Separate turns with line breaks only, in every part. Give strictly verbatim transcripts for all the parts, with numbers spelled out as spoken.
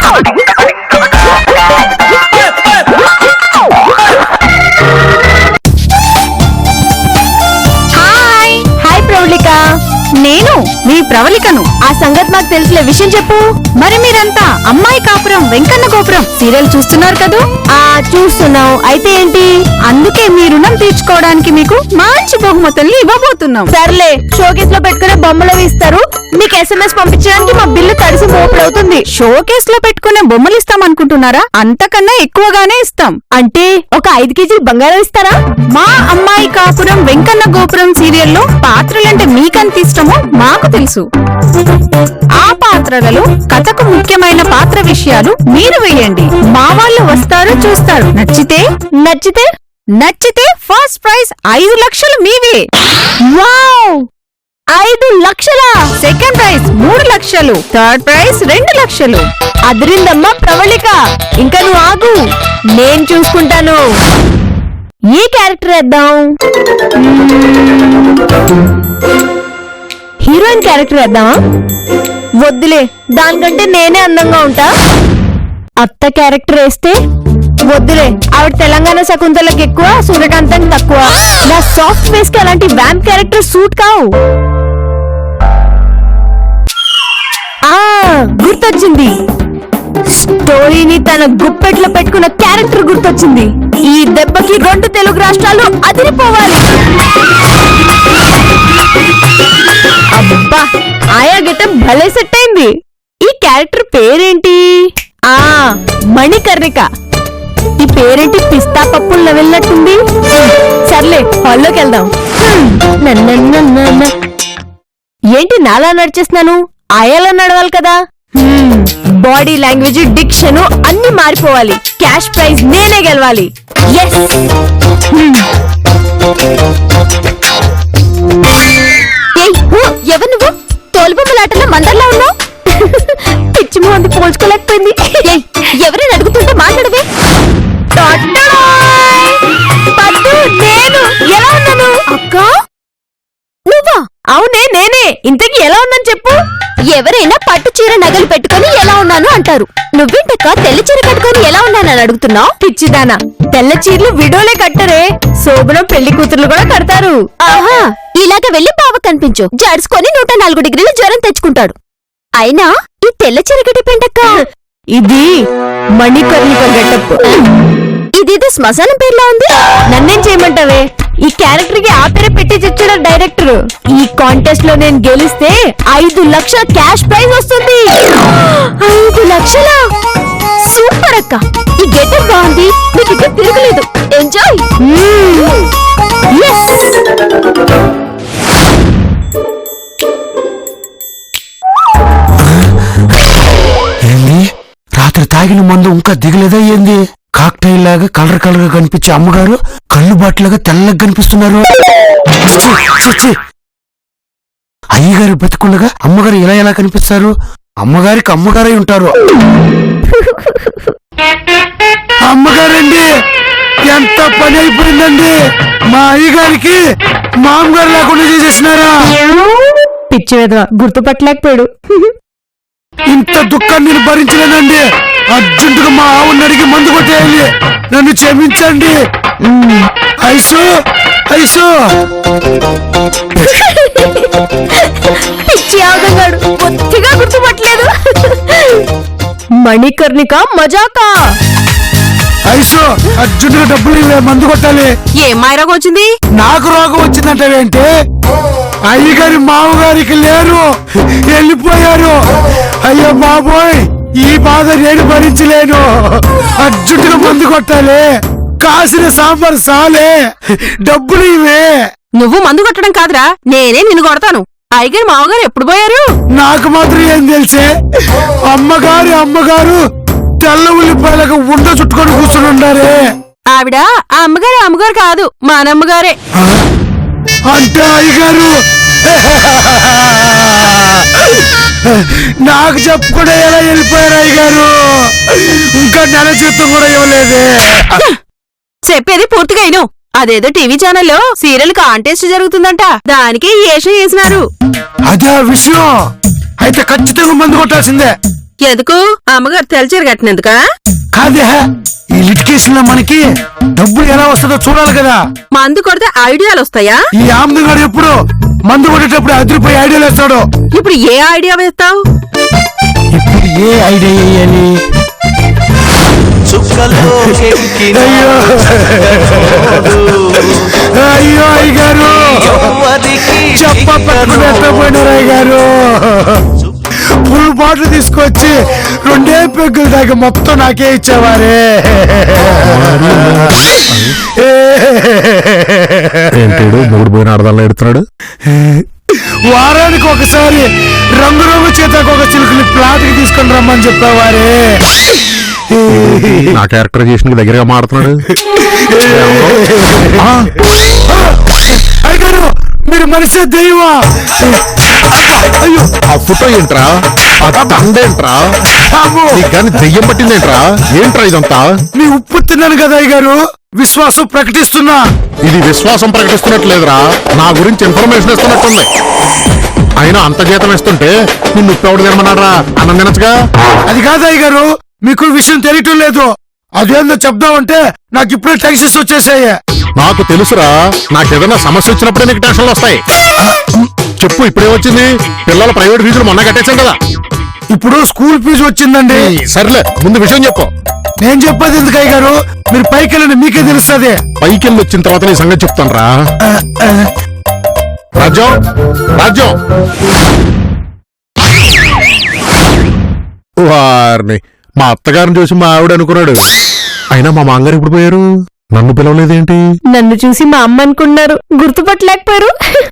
నేను మీ ప్రవళికను. ఆ సంగతి మాకు తెలిసిన విషయం చెప్పు. మరి మీరంతా అమ్మాయి కాపురం వెంకన్న గోపురం సీరియల్ చూస్తున్నారు కదూ? ఆ చూస్తున్నాం. అయితే ఏంటి? అందుకే మీ రుణం తీర్చుకోవడానికి మీకు మంచి బహుమతుల్ని ఇవ్వబోతున్నాం. సర్లే, షోకేస్ లో పెట్టుకునే బొమ్మలు ఇస్తారు. మీకు ఎస్ఎంఎస్ పంపించడానికి మా బిల్లు తడిసి మోపులవుతుంది. షోకేస్ లో పెట్టుకునే బొమ్మలు ఇస్తాం అనుకుంటున్నారా? అంతకన్నా ఎక్కువగానే ఇస్తాం. అంటే ఒక ఐదు కేజీలు బంగారం ఇస్తారా? మా అమ్మాయి కాపురం వెంకన్న గోపురం సీరియల్లో పాత్రలంటే మీకంత ఇష్టమో మాకు తెలుసు. ఆ పాత్రలలో కథకు ముఖ్యమైన పాత్ర విషయాలు మీరు వేయండి. మా వాళ్ళు వస్తారు, చూస్తారు. నచ్చితే నచ్చితే నచ్చితే ఫస్ట్ ప్రైజ్ ఐదు లక్షలు మీవే. వావ్, ఐదు లక్షల! సెకండ్ ప్రైజ్ మూడు లక్షలు. థర్డ్ ప్రైజ్ రెండు లక్షలు. అదిరిందమ్మా ప్రవళిక, ఇంకా నువ్వు ఆగు, నేను చూసుకుంటాను. ఏ క్యారెక్టర్ వేద్దాం? హీరోయిన్ క్యారెక్టర్ వేద్దామా? వద్దులే, దానికంటే నేనే అందంగా ఉంటా. అత్త క్యారెక్టర్ వేస్తే? వద్దులే, ఆవిడ తెలంగాణ శకుంతలకి ఎక్కువ, సూర్యకాంతానికి తక్కువ. నా సాఫ్ట్ ఫేస్ కి అలాంటి వ్యాంప్ క్యారెక్టర్ సూట్ కావు. ఆ గుర్తొచ్చింది, స్టోరీని తన గుప్పెట్లో పెట్టుకున్న క్యారెక్టర్ గుర్తొచ్చింది. ఈ దెబ్బకి రెండు తెలుగు రాష్ట్రాలు అదిరిపోవాలి. అబ్బా, ఆయా గెటప్ భలే సెట్ అయింది. ఈ క్యారెక్టర్ పేరేంటి? ఆ మణికర్ణిక. ఈ పేరేంటి పిస్తా పప్పుల్లో వెళ్ళినట్టుంది. సర్లే, హాల్లోకి వెళ్దాం. ఏంటి నాలా నడిచేస్తున్నాను? ఆయాలా నడవాలి కదా. బాడీ లాంగ్వేజ్, డిక్షన్ అన్ని మారిపోవాలి. క్యాష్ ప్రైజ్ నేనే గెలవాలి. ఎవరు నువ్వు? తోలుబొమ్మలాటలో మందర్లా ఉన్నావు. పిచ్చి మొహంది పోల్చుకోలేకపోయింది. ఎవరైనా అడుగుతుంటే మాట్లాడవే. నేను ఎలా ఉన్నాను? అక్క నువ్వా? అవునే నేనే. ఇంతకీ ఎలా ఉన్నాను చెప్పు. ఎవరైనా పట్టు చీర నగలు పెట్టుకుని ఎలా ఉన్నాను అంటారు. నువ్వేంటక్క తెల్ల చీర కట్టుకుని ఎలా ఉన్నానని అడుగుతున్నావు? పిచ్చిదానా, తెల్ల చీరలు విడోలే కట్టరే, శోభనం పెళ్లి కూతుర్లు కూడా కడతారు. ఆహా, ఇలాగ వెళ్లి బావ కనిపించు, జడుచుకొని నూట నాలుగు డిగ్రీల జ్వరం తెచ్చుకుంటాడు. అయినా ఈ తెల్ల చీర గెటపేంటక్క? ఇది మణికర్ణిక గెటప్. ఇదేదో శ్మశానం పేర్లా ఉంది. నన్నేం చేయమంటావే? ఈ క్యారెక్టర్ కి ఆ పేరే పెట్టి తెచ్చాడు డైరెక్టర్. ఈ కాంటెస్ట్ లో నేను గెలిస్తే ఐదు లక్షల క్యాష్ ప్రైజ్ వస్తుంది. ఐదు లక్షల! సూపర్ అక్క, ఈ గెటప్ బాగుంది. మీకు ఇక్కడ తిరగలేదు. ఎంజాయ్.
ఏంది, రాత్రి తాగిన మందు ఇంకా దిగలేదా ఏంది? కాక్టైల్ లాగా కలర్ కలర్ గా కనిపించే అమ్మగారు కళ్ళు బాటిలాగా తెల్లగా కనిపిస్తున్నారు. అయ్యగారు బతికుండగా అమ్మగారు ఇలా ఎలా కనిపిస్తారు? అమ్మగారికి అమ్మగారై ఉంటారు. అమ్మగారండి, ఎంత పని అయిపోయిందండి. మా అయ్యగారికి మామగారు లేకుండా చేసేసినారా?
పిచ్చి వెధవ, గుర్తుపట్టలేకపోయాడు.
ఇంత దుఃఖాన్ని నేను భరించలేనండి. అర్జెంటుగా మా ఆవుని అడిగి మందు కొట్టేయాలి. నన్ను క్షమించండి. ఐసు ఐసు
పిచ్చి ఆగంగాడు, కొద్దిగా గుర్తుపట్టలేదు. మణికర్ణిక మజాకా.
ఐసు, అర్జెంటుగా డబ్బులు ఇవే, మందు కొట్టాలి.
ఏం మాయరోగం వచ్చింది?
నాకు రోగం వచ్చిందంటే అయ్యగారి మామగారికి లేరు, వెళ్ళిపోయారు. అయ్యో బాబోయ్, ఈ బాధ నేను భరించలేను. అర్జెంటుగా మందు కొట్టాలి. కాసిన సాంబార్ సాలే, డబ్బులు ఇవే.
నువ్వు మందు కొట్టడం కాదురా, నేనే నిన్ను కొడతాను. అయ్యగారు మామగారు ఎప్పుడు పోయారు?
నాకు మాత్రం ఏం తెలిసే. అమ్మగారు అమ్మగారు తెల్ల ఉల్లిపాయలకు ఉండ చుట్టుకొని కూర్చుని ఉండారే.
ఆవిడ ఆ అమ్మగారు అమ్మగారు కాదు, మా నమ్మగారే.
అంటే అయ్యగారు నాకు చెప్పకుండా ఎలా వెళ్ళిపోయారు అయ్యగారు? ఇంకా నెల జీతం కూడా ఇవ్వలేదే.
చెప్పేది పూర్తిగా అయిను. అదేదో టీవీ ఛానల్లో సీరియల్ కాంటెస్ట్ జరుగుతుందంట, దానికి ఏషం చేసినారు.
అదే విషయం. అయితే ఖచ్చితంగా మందు కొట్టాల్సిందే.
ఎందుకు అమ్మగారు తెలచేరు కట్టినందుకా?
కాదే, ఈ లిటికేషన్ లో మనకి డబ్బులు ఎలా వస్తుందో చూడాలి కదా.
మందు కొడితే ఐడియాలు వస్తాయా?
ఈ ఆమ్దుగాడు ఎప్పుడు మందు కొట్టేటప్పుడు అదిరిపోయి ఐడియాలు వేస్తాడు.
ఇప్పుడు ఏ ఐడియా వేస్తావు?
ఇప్పుడు ఏ ఐడియా వేయాలి? అయ్యో అయ్యో అయ్యగారు, చెప్ప పట్టుకుని ఎత్తపోయినారు అయ్యగారు. ఫుల్ బాటిల్ తీసుకొచ్చి రెండే పెగ్గులు దాకా మొత్తం నాకే ఇచ్చేవారే.
ఏంటాడు మూడు పోయిన అర్థాలు ఎడుతున్నాడు?
వారానికి ఒకసారి రంగు రంగు చేతకు ఒక చిలుకని ప్లాట్ కి తీసుకొని రమ్మని చెప్పేవారే.
నా క్యారెక్టరైజేషన్ దగ్గరగా మాడుతున్నాడు.
అయ్యగారు, మీరు మనిషి దెయ్యమా?
అయ్యో, ఆ ఫోటో ఏంట్రా? ఆ తండేంట్రా? నీకు కానీ దెయ్యం పట్టిందేంట్రా? ఏంట్రా ఇదంతా?
మీ ఉప్పు తిన్నాను కదా అయ్యగారు, విశ్వాసం ప్రకటిస్తున్నా.
ఇది విశ్వాసం ప్రకటిస్తున్నట్లేదురా, నా గురించి ఇన్ఫర్మేషన్ ఇస్తున్నట్టుంది. అయినా అంత జీతం ఇస్తుంటే నిన్ను ఉప్పెవడు తినమన్నారా? అన్నం తినచ్చుగా.
అది కాదు అయ్యగారు, మీకు విషయం తెలియటం లేదు. అదేందో చెప్దామంటే నాకు ఇప్పుడే టెన్షన్స్ వచ్చేసాయి.
నాకు తెలుసురా, నాకేదైనా సమస్య వచ్చినప్పుడే నీకు టెన్షన్లు వస్తాయి. చెప్పు, ఇప్పుడే వచ్చింది? పిల్లల ప్రైవేట్ ఫీజులు మొన్న కట్టేశాం కదా.
ఇప్పుడు స్కూల్ ఫీజు వచ్చిందండి.
సర్లే, ముందు విషయం చెప్పు.
నేను చెప్పేది ఎందుకు అయ్యగారు, మీరు పైకి వెళ్ళండి, మీకే తెలుస్తుంది.
పైకి వెళ్ళి వచ్చిన తర్వాత నీ సంగతి చెప్తాను రా. రాజ్యం, రాజ్యం, వారిని మా అత్తగారిని చూసి మా ఆవిడ అనుకున్నాడు. అయినా మా మాంగారు ఇప్పుడు పోయారు, నన్ను పిలవలేదేంటి?
నన్ను చూసి మా అమ్మ అనుకున్నారు, గుర్తుపట్టలేకపోయారు.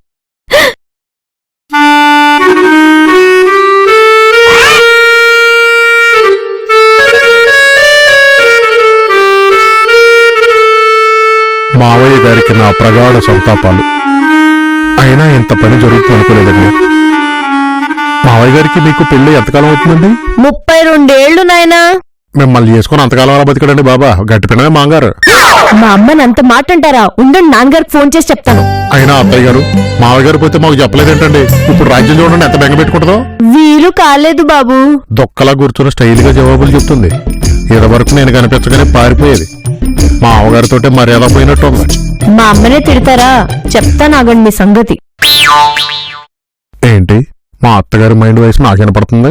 మావయ్య గారికి నా ప్రగాఢ సంతాపాలు. అయినా ఇంత పని జరుగుతుంది అనుకోలేదండి. మావయ్య గారికి మీకు పెళ్లి ఎంతకాలం అవుతుందండి?
ముప్పై రెండేళ్లు నాయనా.
మిమ్మల్ని చేసుకుని అంతకాలం అలా బతికడండి బాబా, గట్టి పిన్నమే మాంగారు.
మా అమ్మని అంత మాట అంటారా? ఉండండి, నాన్నగారికి ఫోన్ చేసి చెప్తాను.
అయినా అత్తయ్య గారు, మావయ్య గారు పోతే మాకు చెప్పలేదేంటండి? ఇప్పుడు రాజ్యం చూడండి ఎంత బెంగ పెట్టుకుంటుందో.
వీలు కాలేదు బాబు.
దొక్కలా కూర్చొని స్టైల్ గా జవాబులు చెప్తుంది. ఇదివరకు నేను కనిపించగానే పారిపోయేది. మా అవగారితో మర్యాద పోయినట్టు ఉంది.
మా అమ్మనే తిడతారా? చెప్తాను, ఆగండి మీ సంగతి.
ఏంటి, మా అత్తగారి మైండ్ వయసు నాకు వినపడుతుంది?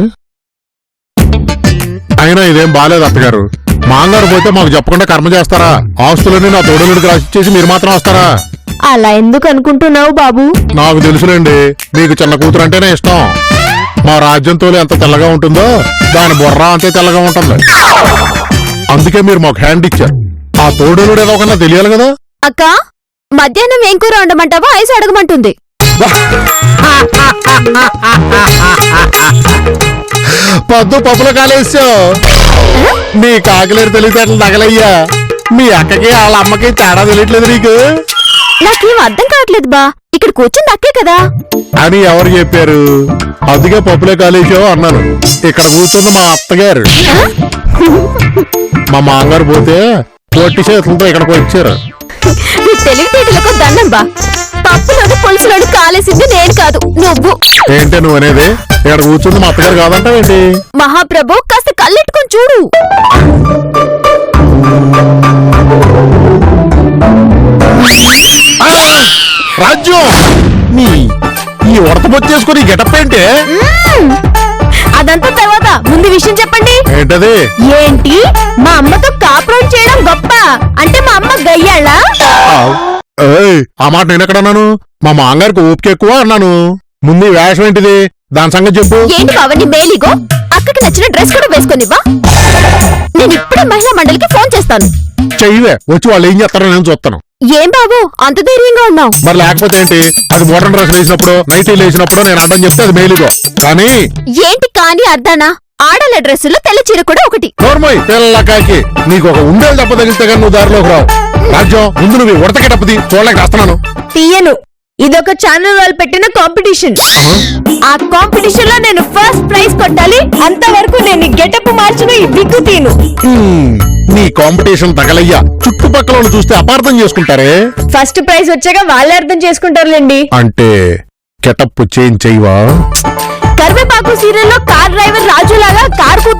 అయినా ఇదేం బాలేదు అత్తగారు. మాంగారు పోతే మాకు చెప్పకుండా కర్మ చేస్తారా? ఆస్తులన్నీ నా తోడులుడికి రాసిచ్చేసి మీరు మాత్రం వస్తారా?
అలా ఎందుకు అనుకుంటున్నావు బాబు?
నాకు తెలుసులేండి, మీకు చిన్న కూతురు అంటేనే ఇష్టం. మా రాజ్యం తోలు ఎంత తెల్లగా ఉంటుందో దాని బుర్ర అంతే తెల్లగా ఉంటుంది. అందుకే మీరు మాకు హ్యాండ్ ఇచ్చారు. ఆ తోడులుడు ఏదో కన్నా తెలియాలి కదా.
అక్క, మధ్యాహ్నం ఏం కూర వండమంటావా? ఐసు అడగమంటుంది.
పొద్దు పప్పులో కాలేసావు. నీ కాకిలేరు తెలివితేటలు తగలయ్యా. మీ అక్కకి వాళ్ళ అమ్మకి తేడా తెలియట్లేదు నీకు?
నాకేం అర్థం కావట్లేదు బా, ఇక్కడ కూర్చుంది అక్కే కదా
అని ఎవరు చెప్పారు? అందుకే పప్పులో కాలేసావు అన్నాను. ఇక్కడ కూర్చుంది మా అత్తగారు. మా మామగారు పోతే పొట్టి చేతులతో ఇక్కడికి వచ్చారు.
నీ తెలివితేటలకు దండం బా. పప్పులోని పులుసులోని కాలేసింది నేను కాదు, నువ్వు.
ఏంటి నువ్వు అనేది? ఇక్కడ కూర్చుంది మా అత్తగారు కాదంటావేంటి?
మహాప్రభు, కాస్త కళ్ళెట్టుకొని చూడు.
రాజ్యం, నీ ఈ ఉడతబొచ్చేసుకుని గెటప్ ఏంటి?
అదంతా తర్వాత, ముందు విషయం చెప్పండి.
ఏంటది?
ఏంటి, మా అమ్మతో కాపురం చేయడం గొప్ప అంటే మా అమ్మ గయ్యాళ్ళా?
ఏయ్, ఆ మాట నేను ఎక్కడన్నాను? మా మాంగారికి ఓపిక ఎక్కువ అన్నాను. ముందు ఈ వేషం ఏంటిది, దాని సంగతి చెప్పు.
ఏంటి బావని మేలిగో, అక్కకి నచ్చిన డ్రెస్ కూడా వేసుకొనివ్వా. నేను ఇప్పుడే మహిళా మండలికి ఫోన్ చేస్తాను.
చెయ్యవే, వచ్చి వాళ్ళు ఏం చేస్తారో నేను చూస్తాను.
ఏం బాబు అంత ధైర్యంగా ఉన్నావు?
మరి లేకపోతే ఏంటి? అది మోడర్న్ డ్రెస్ వేసినప్పుడు, నైటీలు వేసినప్పుడు నేను అడ్డం చెప్తే అది మేలుగో. కానీ
ఏంటి కానీ అర్ధానా? ఆడల డ్రెస్సులో తెల్ల చీర కూడా ఒకటి.
నోర్మోయ్ పిల్లకాకి, నీకు ఒక ఉండేలు దెబ్బ తగిలితే కానీ నువ్వు దారిలోకి రావు. రాజ్యం, ముందు నువ్వు ఉడతకి డబ్బది చూడలేక రాస్తున్నాను.
తీయను, ఇదొక ఛానల్ వాళ్ళు పెట్టిన కాంపిటీషన్. ఆ కాంపిటీషన్ లో నేను ఫస్ట్ ప్రైజ్ కొట్టాలి. అంతవరకు నేను గెటప్ మార్చిన ఈ విగ్గు తీను.
నీ కాంపిటీషన్ తగలయ్యా. చుట్టుపక్కల వాళ్ళు చూస్తే అపార్థం చేసుకుంటారే.
ఫస్ట్ ప్రైజ్ వచ్చాక వాళ్ళే అర్థం చేసుకుంటారులేండి.
అంటే గెటప్ చేంజ్ చెయ్యవా?
కరివేపాకు సీరియల్లో కార్ డ్రైవర్ రాజులాగా కార్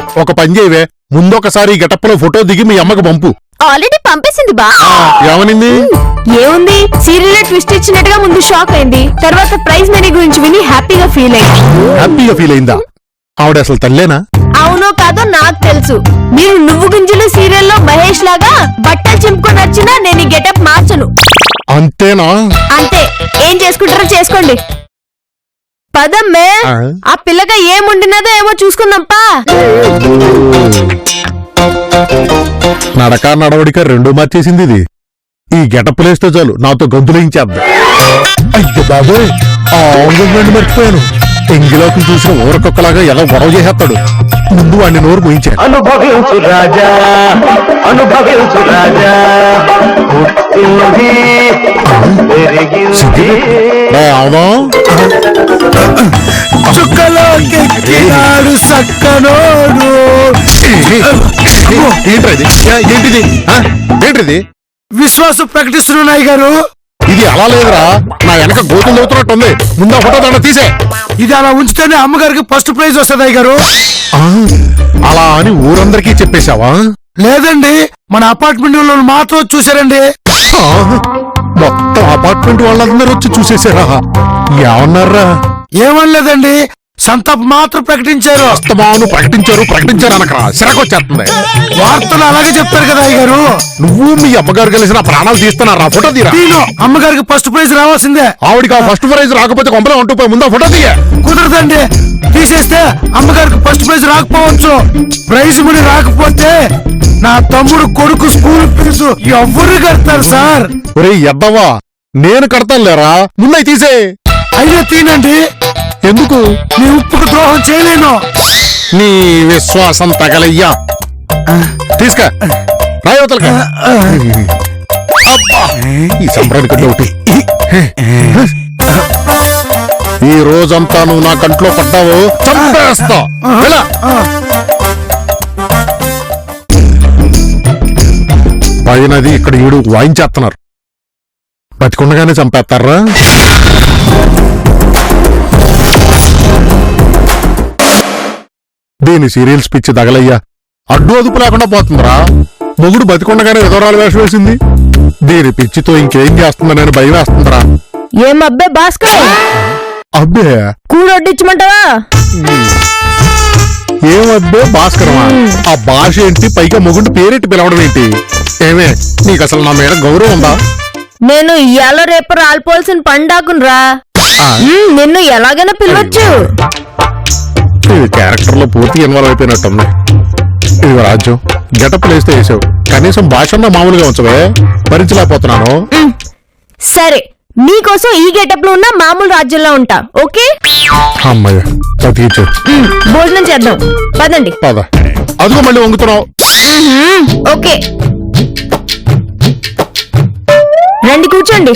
ఒక పని చేయవే, ముందొకసారి ఈ గెటప్ లో ఫోటో దిగి మీ అమ్మకు పంపు.
ఆల్రెడీ పంపేసింది బా.
ఏమనింది?
ఏముంది, సీరియల్ ట్విస్ట్ ఇచ్చినట్టుగా ముందు షాక్ అయింది, తర్వాత ప్రైజ్ మనీ గురించి విని హ్యాపీగా ఫీల్ అయింది.
హ్యాపీగా ఫీల్ అయిందా? ఆవిడ అసలు తల్లేనా?
అవునో కాదో నాకు తెలుసు. మీరు నువ్వు గుంజులు సీరియల్లో మహేష్ లాగా బట్టలు చింపుకొని వచ్చినా నేను ఈ గెటప్ మార్చను.
అంతేనా?
అంతే. ఏం చేసుకుంటారో చేసుకోండి. పదమ్మే,
ఆ?
ఆ పిల్లగా ఏముండినదో ఏమో చూసుకుందాంపా.
నడక నడవడిక రెండు మార్చేసింది ఇది. ఈ గెటప్ లేస్తే చాలు నాతో గంతులేయించేద్దాం. అయ్యో బాబోయ్, ఆ ఆంగ్మెంట్ మర్చిపోయాను. ఎంగిలోకి చూసిన ఊరకొక్కలాగా ఎలా గొడవ చేసేస్తాడు. ముందు వాడిని నోరు పోయించాడు.
అనుభవించు రాజా, అనుభవించు రాజా, పుట్టింది, పెరిగింది.
అవునా?
చుక్కలోకెక్కినాడు సక్కనోడు.
ఏంటిది? ఏంటిది? ఆ? ఏంటిది?
విశ్వాసం ప్రకటిస్తున్నాయి గారు.
ఇది అలా లేదురా, నా వెనక గోతులు అవుతున్నట్టుంది. ముందు ఫోటో దండ తీసే.
ఇది అలా ఉంచితేనే అమ్మగారికి ఫస్ట్ ప్రైజ్ వస్తుంది గారు.
ఆ, అలా అని ఊరందరికీ చెప్పేశావా?
లేదండి, మన అపార్ట్మెంట్ లో మాత్రం చూసారండి.
ఆ, మొత్తం అపార్ట్మెంట్ వాళ్ళందరూ వచ్చి చూసేశారా? ఏమన్నారా?
ఏమనలేదండి, సంతాప్ మాత్రం ప్రకటించారు.
అస్తమాను ప్రకటించారు ప్రకటించారు అనకరా, సిరకొచ్చేస్తుంది.
వార్తలు అలాగే చెప్తారు కదా అయ్య గారు.
నువ్వు మీ అమ్మగారు కలిసి నా ప్రాణాలు తీస్తున్నారా? ఫోటో తీరా.
నేను అమ్మగారికి ఫస్ట్ ప్రైజ్ రావాల్సిందే.
ఆవిడికి ఆ ఫస్ట్ ప్రైజ్ రాకపోతే కొంపలే ఉంటూ పోయి ముందు ఫోటో తీయ.
కుదరదండి, తీసేస్తే అమ్మగారికి ఫస్ట్ ప్రైజ్ రాకపోవచ్చు. ప్రైజ్ మనీ రాకపోతే నా తమ్ముడు కొడుకు స్కూల్ ఫీజు ఎవరు కడతారు సార్?
ఒరే ఎద్దవా, నేను కడతాను లేరా, ముందై తీసే.
అయ్యో తీనండి,
ఎందుకు?
నీ ఉప్పుకు ద్రోహం చేయలేను.
నీ విశ్వాసం తగలయ్యా. తీసుక రాయవతలక. ఈ సంబరానికి ఒకటి. ఈ రోజంతా నువ్వు నా కంట్లో పడ్డావు, చంపేస్తా. వెళ్ళ. పైనది ఇక్కడ ఈడు వాయించేస్తున్నారు. బతికుండగానే చంపేస్తారా? దీని సీరియల్స్ పిచ్చి తగలయ్యా, అడ్డు అదుపు లేకుండా పోతుందిరా. మొగుడు బతికుండగానే విధవరాలు వేషం వేసింది. దీని పిచ్చితో ఇంకేం చేస్తుందని భయం వేస్తుందిరా.
ఏం అబ్బే భాస్కర్,
అబ్బే
కూడొడ్డించమంటావా?
ఏమబ్బే భాస్కరమా? ఆ భాష ఏంటి, పైగా మొగుడు పేరెట్టి పిలవడం ఏంటి? ఏమే, నీకు అసలు నా మీద గౌరవం ఉందా?
నేను ఇయాల రేపు రాలిపోవాల్సిన పండాకునరా.
ఆ?
నిన్ను ఎలాగైనా పిలవచ్చు.
ఇది క్యారెక్టర్ లో పూర్తి ఇన్వాల్వ్ అయిపోయినట్టుంది. ఇది రాజ్యం, గెటప్ లేస్తే వేసావు, కనీసం భాషన్నా మామూలుగా ఉంచవే, భరించలేకపోతున్నాను.
సరే, నీకోసం ఈ గెటప్ లో ఉన్న మామూలు రాజ్యంలో ఉంటా. ఓకే,
అమ్మయ్య బతికించు.
భోజనం చేద్దాం పదండి.
పద. అదిగో మళ్ళీ వంగుతున్నావు.
ఓకే, రండి కూర్చోండి.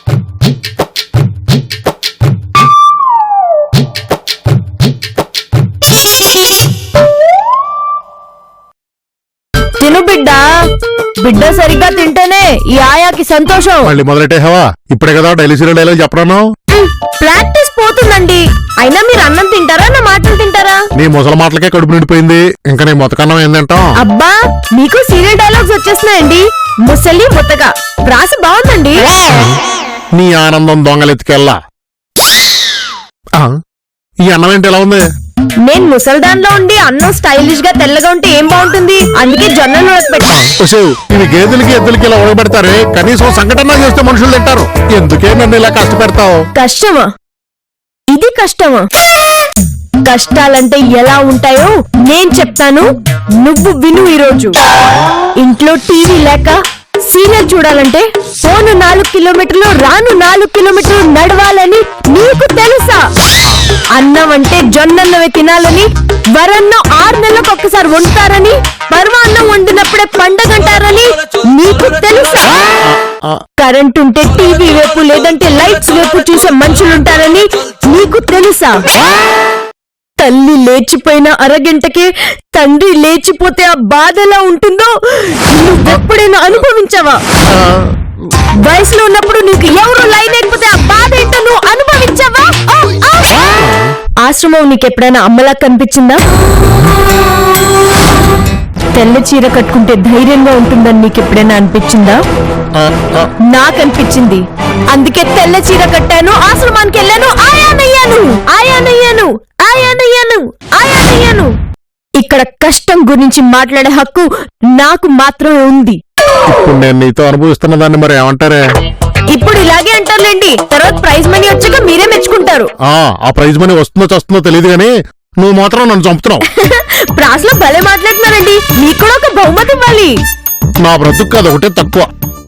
తిను బిడ్డ, బిడ్డ సరిగ్గా తింటేనే ఈ ఆయాకి సంతోషం.
మళ్ళీ మొదలెట్టేహావా? ఇప్పుడే కదా డైలీ సీరియల్ డైలాగ్ చెప్పరాను.
ప్రాక్టీస్ పోతుందండి. అయినా మీరు అన్నం తింటారా, నా మాటలు తింటారా?
నీ ముసల మాటలకే కడుపు నిండిపోయింది, ఇంకా నీ మొతకన్నం ఏం తింటాం?
అబ్బా, మీకు సీరియల్ డైలాగ్స్ వచ్చేస్తున్నాయండి. ముసలి ముత్తగా ప్రాస బాగుందండి.
నీ ఆనందం దొంగలెత్తికెళ్ళా. ఆ, ఈ అన్నం ఏంటి ఎలా ఉంది?
నేను ముసల్దాన్లో ఉండి అన్నం స్టైలిష్ గా తెల్లగా ఉంటే ఏం బాగుంటుంది, అందుకే జొన్నలు ఉడకబెట్టా.
ఒసేయ్, ఇవి గేదెలకి ఎద్దులకి ఇలా ఉడబెడతారే, కనీసం సంఘటన చేస్తే మనుషులు తింటారు. ఎందుకే నన్ను ఇలా కష్టపెడతావు?
కష్టమా? ఇది కష్టమా? కష్టాలంటే ఎలా ఉంటాయో నేను చెప్తాను, నువ్వు విను. ఈరోజు ఇంట్లో టీవీ లేక సీరియల్ చూడాలంటే పోను నాలుగు కిలోమీటర్లు రాను నాలుగు కిలోమీటర్లు నడవాలని నీకు తెలుసా? అన్నం అంటే జొన్నన్నమే తినాలని, వరన్నం ఆరు నెలలకు ఒక్కసారి వండుతారని, పరమాన్నం వండినప్పుడే పండగంటారని నీకు తెలుసా? కరెంట్ ఉంటే టీవీ వైపు లేదంటే లైట్స్ వైపు చూసే మనుషులుంటారని నీకు తెలుసా? తల్లి లేచిపోయిన అరగంటకే తండ్రి లేచిపోతే ఆ బాధ ఎలా ఉంటుందో నువ్వెప్పుడైనా అనుభవించావా? వయసులో ఉన్నప్పుడు నీకు ఎవరు లైన్ లేకపోతే ఆ బాధ ఏంటో నువ్వు అనుభవించావా? ఆశ్రమం నీకెప్పుడైనా అమ్మలా కనిపించిందా? తెల్ల చీర కట్టుకుంటే ధైర్యంగా ఉంటుందని నీకెప్పుడైనా అనిపించిందా?
ఆ, ఆ,
నాకనిపించింది. అందుకే తెల్ల చీర కట్టాను, ఆశ్రమానికి వెళ్ళాను, ఆయానయ్యాను ఆయానయ్యాను ఆయానయ్యాను ఆయానయ్యాను. ఇక్కడ కష్టం గురించి మాట్లాడే హక్కు నాకు మాత్రమే ఉంది.
ఇప్పుడు నేను నీతో అనుభవిస్తున్న దాన్ని మరి ఏమంటారే?
ఇప్పుడు ఇలాగే అంటారులేండి, తర్వాత ప్రైజ్ మనీ వచ్చాక మీరే మెచ్చుకుంటారు.
ఆ ఆ ప్రైజ్ మనీ వస్తుందో చస్తుందో తెలియదు గానీ నువ్వు మాత్రం నన్ను చంపుతున్నావు.
ప్రాస్లో భలే మాట్లాడుతున్నారండి, మీకు కూడా ఒక బహుమతి ఇవ్వాలి.
నా బ్రతుకు కాదు ఒకటే తక్కువ.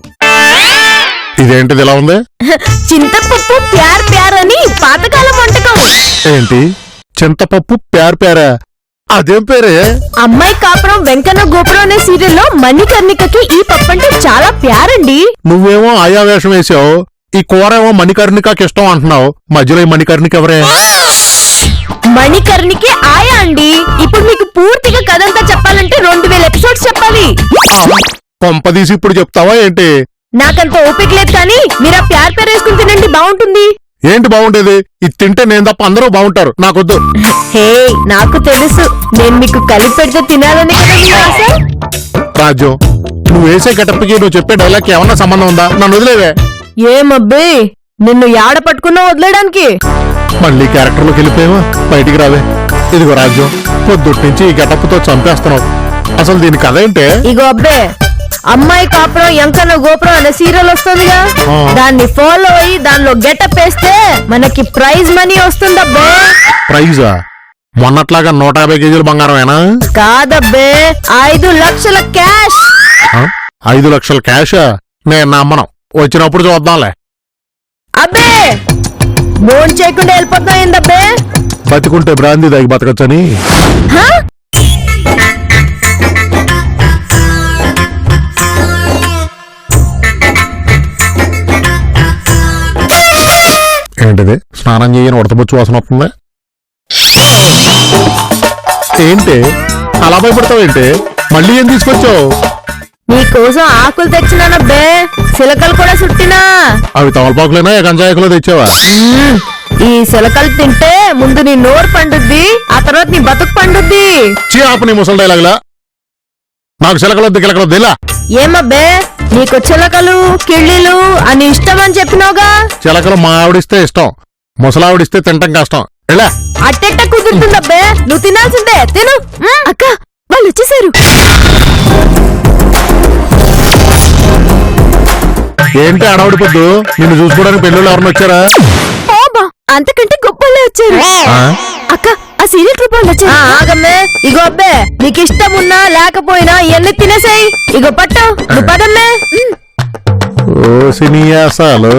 ఇదేంటిది ఇలా ఉంది?
చింతపప్పు ప్యార్ ప్యార్ అని పాతకాలం వంటకం.
ఏంటి చింతపప్పు ప్యార్ ప్యారా? అదేం పేరే?
అమ్మాయి కాపురం వెంకన్న గోపురం అనే సీరియల్లో మణికర్ణికకి ఈ పప్పు అంటే చాలా ప్యారండి.
నువ్వేమో ఆయా వేషం వేసావు, ఈ కూర ఏమో మణికర్ణికకి ఇష్టం అంటున్నావు. మధ్యలో ఈ మణికర్ణిక ఎవరే?
మణికర్ణికి ఆయా అండి. ఇప్పుడు మీకు పూర్తిగా కథంతా చెప్పాలంటే రెండు వేల ఎపిసోడ్స్ చెప్పాలి.
కొంపదీసి ఇప్పుడు చెప్తావా ఏంటి?
నాకంత ఓపిక లేదు, కానీ మీరు ఆ ప్యార్ ప్యార్ వేసుకుని తినండి, బాగుంటుంది.
ఏంటి బాగుండేది? ఇది తింటే నేను తప్ప అందరూ బాగుంటారు, నాకొద్దు.
హే, నాకు తెలుసు, నేను మీకు కలిపి పెడితే తినాలని కదా మీ ఆశ.
రాజ్యం, నువ్వు వేసే గెటప్కి నువ్వు చెప్పే డైలాగ్ ఏమన్నా సంబంధం ఉందా? నన్ను వదిలేవే.
ఏమబ్బే, నిన్ను యాడ పట్టుకున్నా వదిలేయడానికి?
మళ్ళీ క్యారెక్టర్లోకి వెళ్ళిపోయావా? బయటికి రావే. ఇదిగో రాజ్యం, పొద్దుటి నుంచి ఈ గెటప్తో చంపేస్తున్నావు. అసలు దీని కథ ఏంటే?
ఇగో అబ్బే, అమ్మాయి కాపురం ఎంకన్న గోపురం అనే సీరియల్ వస్తుందిగా,
ఆ.
దాన్ని ఫాలో అయ్యి దానిలో గెటప్ వేస్తే మనకి ప్రైజ్ మనీ వస్తుందబ్బే.
ప్రైజా? మొన్నట్లాగా నూట యాభై కేజీల బంగారమేనా?
కాదబ్బే, ఐదు లక్షల క్యాష్.
ఆ? ఐదు లక్షల క్యాషా? నేను నమ్మను, వచ్చినప్పుడు చూద్దాంలే.
అబ్బే, బోన్ చేయకుండా వెళ్ళిపోతున్నా ఏందబ్బే?
బతికుంటే బ్రాందీ దాగి బతకచ్చని.
హా?
ఏంటిది? స్నానం చేయని ఉడతబొచ్చు వాసన వస్తుంది. ఏంటి అలా భయపడతావేంటి? మళ్ళీ ఏం తీసుకొచ్చావు?
నీకోసం ఆకులు తెచ్చినానబ్బే, సిలకలు కూడా చుట్టినా.
అవి తమలపాకులేనా గంజాయకులో తెచ్చావా?
మ్మ్. ఈ సిలకలు తింటే ముందు నీ నోరు పండుద్ది, ఆ తర్వాత నీ బతుకు పండుద్ది.
చీ ఆపు నీ ముసలి డైలాగులా. నాకు చిలకలొద్దు గిలకలొద్దు ఇలా.
ఏమబ్బే, నీకు చిలకలు కిళ్ళీలు అని ఇష్టం అని చెప్పినావుగా.
చిలకలు మా ఆవిడిస్తే ఇష్టం, ముసలావిడిస్తే తింటం కష్టం. ఎలా
అట్టెట్ట కుదురుతుందబ్బే, నువ్వు తినాల్సిందే, తిను. మ్మ్. అక్క, వాళ్ళు వచ్చేసారు.
ఏంటి అడవుడి పొద్దు? నిన్ను చూసుకోవడానికి పెళ్ళిళ్ళు ఎవరిని వచ్చారా?
ఓబా, అంతకంటే గొప్పలే వచ్చారు.
ఆ?
అక్క, ఆ సీరియల్ ట్రిప్ వాళ్ళు వచ్చారు. ఆగమ్మే, ఇగో అబ్బే, నీకు ఇష్టం ఉన్నా లేకపోయినా ఇవన్నీ తినేసాయి. ఇగో పట్టు, నువ్వు పదమ్మే. మ్మ్.
ఓ సినియాసాలు.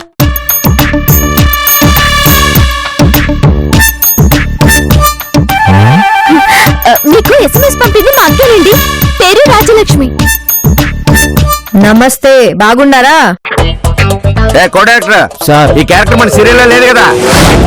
ఆ, మీకు ఎస్ఎంఎస్ పంపింది మా అక్కనండి, పేరు రాజలక్ష్మి. నమస్తే, బాగున్నారా?
కో డైరెక్టర్ సార్, ఈ క్యారెక్టర్ మన సీరియల్ లో లేదు కదా?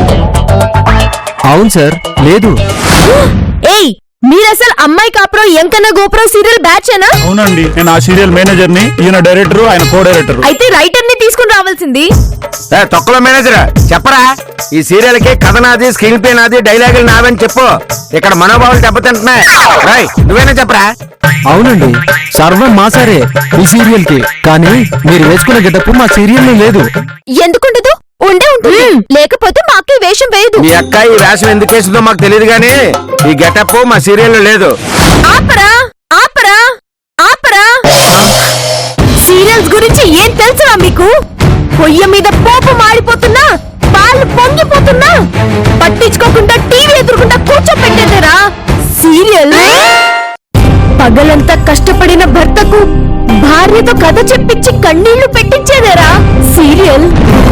అవును సార్, లేదు.
ఏయ్, మీరసలు అమ్మాయి కాపురం ఎంకన్న గోపురం సీరియల్ బ్యాచ్ ఏనా?
అవునండి, నేను ఆ సీరియల్ మేనేజర్ ని, ఈయన డైరెక్టర్, ఆయన కో డైరెక్టర్.
అయితే రైటర్ ని తీసుకుని రావాల్సింది.
ఏ, తొక్కలో మేనేజర్ చెప్పరా? ఈ సీరియల్ కి కథ నాది, స్క్రీన్ ప్లే నాది, డైలాగులు నావని చెప్పు. ఇక్కడ మనోభావాలు దెబ్బతింటున్నాయి. రాయ్, నువ్వేనా చెప్పరా?
అవునండి, సర్వం మా సారే ఈ సీరియల్ కి, కానీ మీరు వేసుకున్న గెటప్ మా సీరియల్ లో లేదు.
ఎందుకుండదు? ఉండే ఉంటుంది, లేకపోతే మా అక్క ఈ వేషం వేయదు.
మీ అక్క ఈ వేషం ఎందుకు వేసిందో మాకు తెలియదు గానీ ఈ గెటప్ మా సీరియల్ లో లేదు.
ఆపరా ఆపరా ఆపరా. సీరియల్స్ గురించి ఏం తెలుసురా మీకు? పొయ్య మీద పోపు మాడిపోతున్నా, పాలు పొంగిపోతున్నా, పట్టించుకోకుండా టీవీ ఎదురుకుండా కూర్చోపెట్టేదేరా సీరియల్. పగలంతా కష్టపడిన భర్తకు భార్యతో కథ చెప్పించి కన్నీళ్లు పెట్టించేదేరా సీరియల్.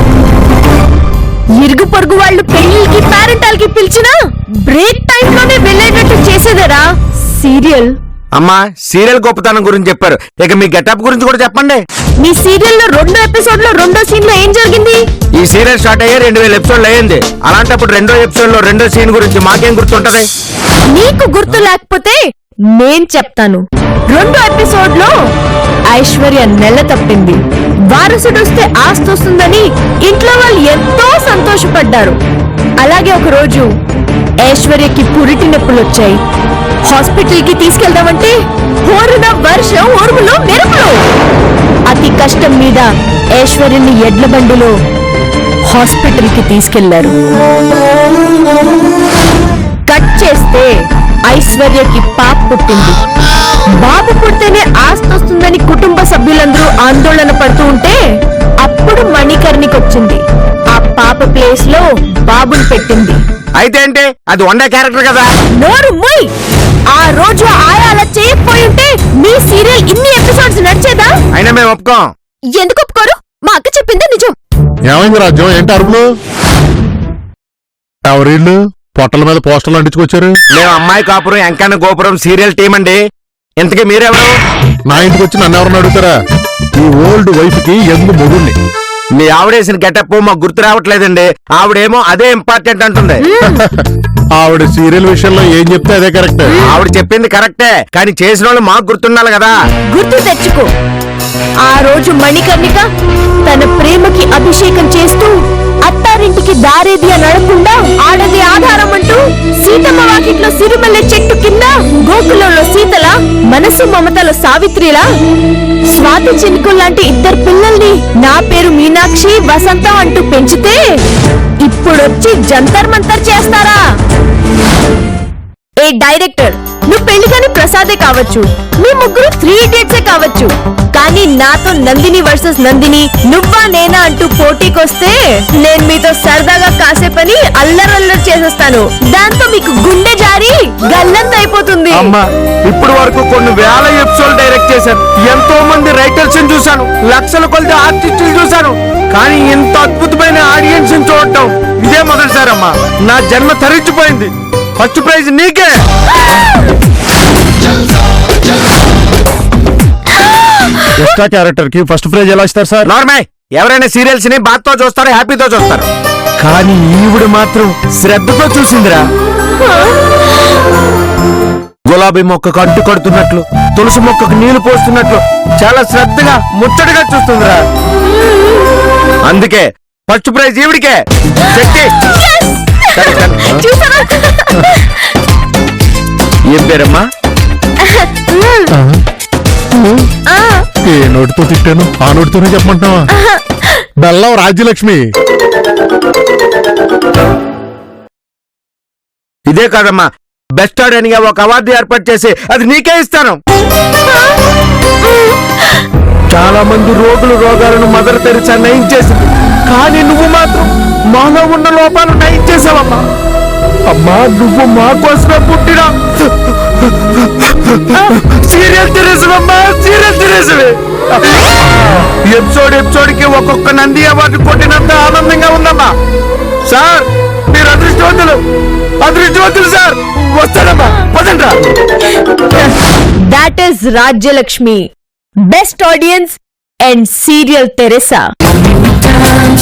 ఇరుగు పొరుగు వాళ్ళు పెళ్లికి పేరెంటాలకి పిలిచినా బ్రేక్ టైం లోనే వెళ్ళేటట్టు చేసేదేరా సీరియల్.
అమ్మా, సీరియల్ గొప్పతనం గురించి చెప్పారు, ఇక మీ గెటప్ గురించి కూడా చెప్పండి.
మీ సీరియల్ లో రెండో ఎపిసోడ్ లో రెండో సీన్ లో ఏం జరిగింది?
ఈ సీరియల్ స్టార్ట్ అయ్యే రెండు వేల ఎపిసోడ్లు అయ్యింది. అలాంటప్పుడు రెండో ఎపిసోడ్ లో రెండో సీన్ గురించి మాకేం గుర్తుంటది?
నీకు గుర్తు లేకపోతే నేను చెప్తాను. రెండో ఎపిసోడ్ లో ఐశ్వర్య నెల తప్పింది, వారసుడు వస్తే ఆస్తి వస్తుందని ఇంట్లో వాళ్ళు ఎంతో సంతోషపడ్డారు. అలాగే ఒక రోజు ఐశ్వర్యకి పురిటి నొప్పులు వచ్చాయి. హాస్పిటల్ కి తీసుకెళ్దామంటే హోరున వర్షం ఉరుములు మెరుపులు. అతి కష్టం మీద ఐశ్వర్యని ఎడ్ల బండిలో హాస్పిటల్ కి తీసుకెళ్లారు. కట్ చేస్తే ఐశ్వర్యకి పాప పుట్టింది. బాబు పుడితేనే ఆస్తి వస్తుందని కుటుంబ సభ్యులందరూ ఆందోళన పడుతూ ఉంటే అప్పుడు మణికర్ణికి వచ్చింది. ఆ పాప ప్లేస్ లో బాబుని పెట్టింది.
అయితే అంటే అది వండే క్యారెక్టర్ కదా.
నోరు మొయ్. ఆ రోజు ఆయా అలా చేయకపోయి ఉంటే మీ సీరియల్ ఇన్ని ఎపిసోడ్స్ నడిచేదా?
అయినా మేము ఒప్పుకోం.
ఎందుకు ఒప్పుకోరు? మా అక్క చెప్పిందే నిజం.
ఏమైంది రాజ్యం? ఏంటి అరుపులు? ఎవరిళ్ళు పొట్టల మీద పోస్టర్లు అంటించుకొచ్చారు?
మేము అమ్మాయి కాపురం ఎంకన్న గోపురం సీరియల్ టీం అండి. ఇంతకీ మీరెవరు?
నా ఇంటికి వచ్చి నన్ను ఎవరన్నా అడుగుతారా? ఈ ఓల్డ్ వైఫ్ కి ఎందు మొగుణ్ణి.
మీ ఆవిడేసిన గెటప్ మాకు గుర్తు రావట్లేదండి. ఆవిడేమో అదే ఇంపార్టెంట్ అంటుంది.
ఆవిడ సీరియల్ విషయంలో ఏం చెప్తే అదే కరెక్ట్.
ఆవిడ చెప్పింది కరెక్టే, కానీ చేసిన వాళ్ళు మాకు గుర్తుండాలి కదా.
గుర్తు తెచ్చుకో. ఆ రోజు మణికర్ణిక తన ప్రేమకి అభిషేకం చేస్తూ అత్తారింటికి దారేది అని అడగకుండా ఆడది ఆధారం అంటూ సీతమ్మ వాకిట్లో సిరిమల్లె చెట్టు కింద గోకులంలో సీతల మనసు మమతల సావిత్రిలా స్వాతి చినుకుల్ లాంటి ఇద్దరు పిల్లల్ని నా పేరు మీనాక్షి వసంతం అంటూ పెంచితే ఇప్పుడొచ్చి జంతర్ మంతర్ చేస్తారా? ఏ డైరెక్టర్, నువ్వు పెళ్లి కాని ప్రసాదే కావచ్చు, మీ ముగ్గురు త్రీ ఇడియట్సే కావచ్చు, కానీ నాతో నందిని వర్సెస్ నందిని నువ్వా నేనా అంటూ పోటీకొస్తే నేను మీతో సరదాగా కాసేపని అల్లరల్లరి చేసేస్తాను. దాంతో మీకు గుండె జారి గల్లంత అయిపోతుంది.
అమ్మా, ఇప్పుడు వరకు కొన్ని వేల ఎపిసోడ్ డైరెక్ట్ చేశాను. ఎంతో మంది రైటర్స్ చూశాను, లక్షల కొద్ది ఆర్టిస్టులు చూశాను, కానీ ఇంత అద్భుతమైన ఆడియన్స్ చూడటం ఇదే మొదటిసారి అమ్మా. నా జన్మ తరించిపోయింది. ఫస్ట్ ప్రైజ్ నీకే.
ఎక్స్ట్రా క్యారెక్టర్ కి ఫస్ట్ ప్రైజ్ ఎలా ఇస్తారు సార్?
నార్మల్, ఎవరైనా సీరియల్స్ ని బాధతో చూస్తారు, హ్యాపీతో చూస్తారు, కానీ ఈవిడ మాత్రం శ్రద్ధతో చూసిందిరా. గులాబీ మొక్కకు అడ్డు కడుతున్నట్లు, తులసి మొక్కకు నీళ్లు పోస్తున్నట్లు చాలా శ్రద్ధగా ముచ్చటగా చూస్తుందిరా. అందుకే ఫస్ట్ ప్రైజ్ ఈవిడికే. శక్తి. ఏం పేరమ్మా?
ఏ నోటితో తిట్టాను ఆ నోటితోనే చెప్పమంటావా? బెల్లం రాజ్యలక్ష్మి.
ఇదే కాదమ్మా, బెస్ట్ ఆడియన్గా ఒక అవార్డు ఏర్పాటు చేసి అది నీకే ఇస్తాను. చాలా మంది రోగులు రోగాలను మదర్ తెరిచా నయం చేసింది, కానీ నువ్వు మాత్రం మాలో ఉన్న లోపాలు నయం చేసావమ్మా. అమ్మా, నువ్వు మా కోసమే పుట్టినా సీరియల్ తెరేసవమ్మా, సీరియల్ తెరేసవే. ఎపిసోడ్ ఎపిసోడ్ కి ఒక్కొక్క నంది అవార్డు కొట్టినంత ఆనందంగా ఉందమ్మా. సార్, మీరు అదృష్టవంతులు, అదృష్టవంతులు సార్. వస్తాడమ్మా, పదండ్రా.
That is Rajyalakshmi, best audience and serial Teresa.